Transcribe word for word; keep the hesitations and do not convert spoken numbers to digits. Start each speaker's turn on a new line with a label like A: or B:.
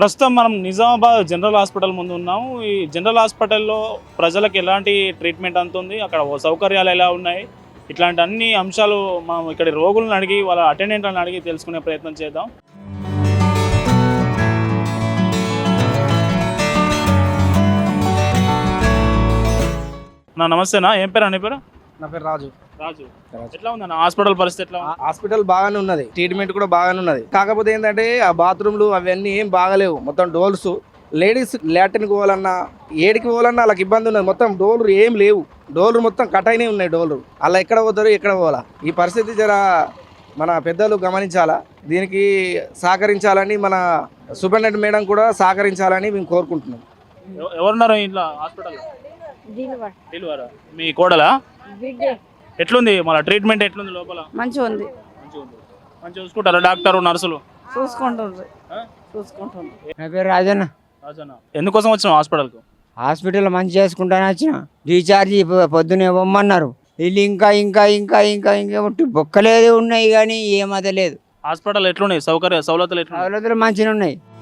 A: ప్రస్తుతం మనం Nizamabad general hospital ముందు ఉన్నాము. ఈ జనరల్ హాస్పిటల్లో ప్రజలకు ఎలాంటి ట్రీట్మెంట్ అందుతుంది, అక్కడ సౌకర్యాలు ఎలా ఉన్నాయి, ఇట్లాంటి అన్ని అంశాలు మనం ఇక్కడ రోగులను అడిగి వాళ్ళ అటెండెంట్లను అడిగి తెలుసుకునే ప్రయత్నం చేద్దాం. నా నమస్తేనా, ఏం పేరు అనే పేరు?
B: నా పేరు రాజు.
A: రాజు, ఎట్లా ఉందన్న హాస్పిటల్ పరిస్థితి? ఎట్లా
B: హాస్పిటల్ బాగానే ఉన్నది, ట్రీట్మెంట్ కూడా బాగానే ఉన్నది. కాకపోతే ఏంటంటే ఆ బాత్రూమ్లు అవన్నీ ఏం బాగలేవు. మొత్తం డోర్స్, లేడీస్ లాట్రిన్కి పోవాలన్నా ఏడికి పోవాలన్నా వాళ్ళకి ఇబ్బంది ఉన్నది. మొత్తం డోర్లు ఏం లేవు, డోర్లు మొత్తం కట్ అయినాయి ఉన్నాయి. డోర్లు అలా ఎక్కడ పోతారు, ఎక్కడ పోవాలా? ఈ పరిస్థితి జర మన పెద్దలు గమనించాలా, దీనికి సహకరించాలని మన సూపరింటెండెంట్ మేడం కూడా సహకరించాలని మేము కోరుకుంటున్నాం.
A: ఎవరున్నారు ఇంట్లో హాస్పిటల్? మీ కోడలా? ఎట్లుంది మన ట్రీట్మెంట్ ఎట్లుంది లోపల?
C: మంచిగా ఉంది.
A: మంచిగా చూసుకుంటారా డాక్టర్ నర్సులు?
C: చూసుకుంటుండ్రు చూసుకుంటుండ్రు.
D: నా పేరు రాజన్న.
A: రాజన్న, ఎందుకోసం వచ్చినావు హాస్పిటల్కు?
D: హాస్పిటల్ మంచి చేసుకుంటాను వచ్చిన. రీఛార్జ్ పొద్దునే ఇవ్వమన్నారు. వీళ్ళు ఇంకా ఇంకా ఇంకా ఇంకా ఇంకా బొక్కలేదు ఉన్నాయి కానీ ఏమద లేదు.
A: హాస్పిటల్ ఎట్లున్నాయి, సౌకర్య సౌలతులు ఎట్లా?
D: సౌలతులు మంచిగా ఉన్నాయి.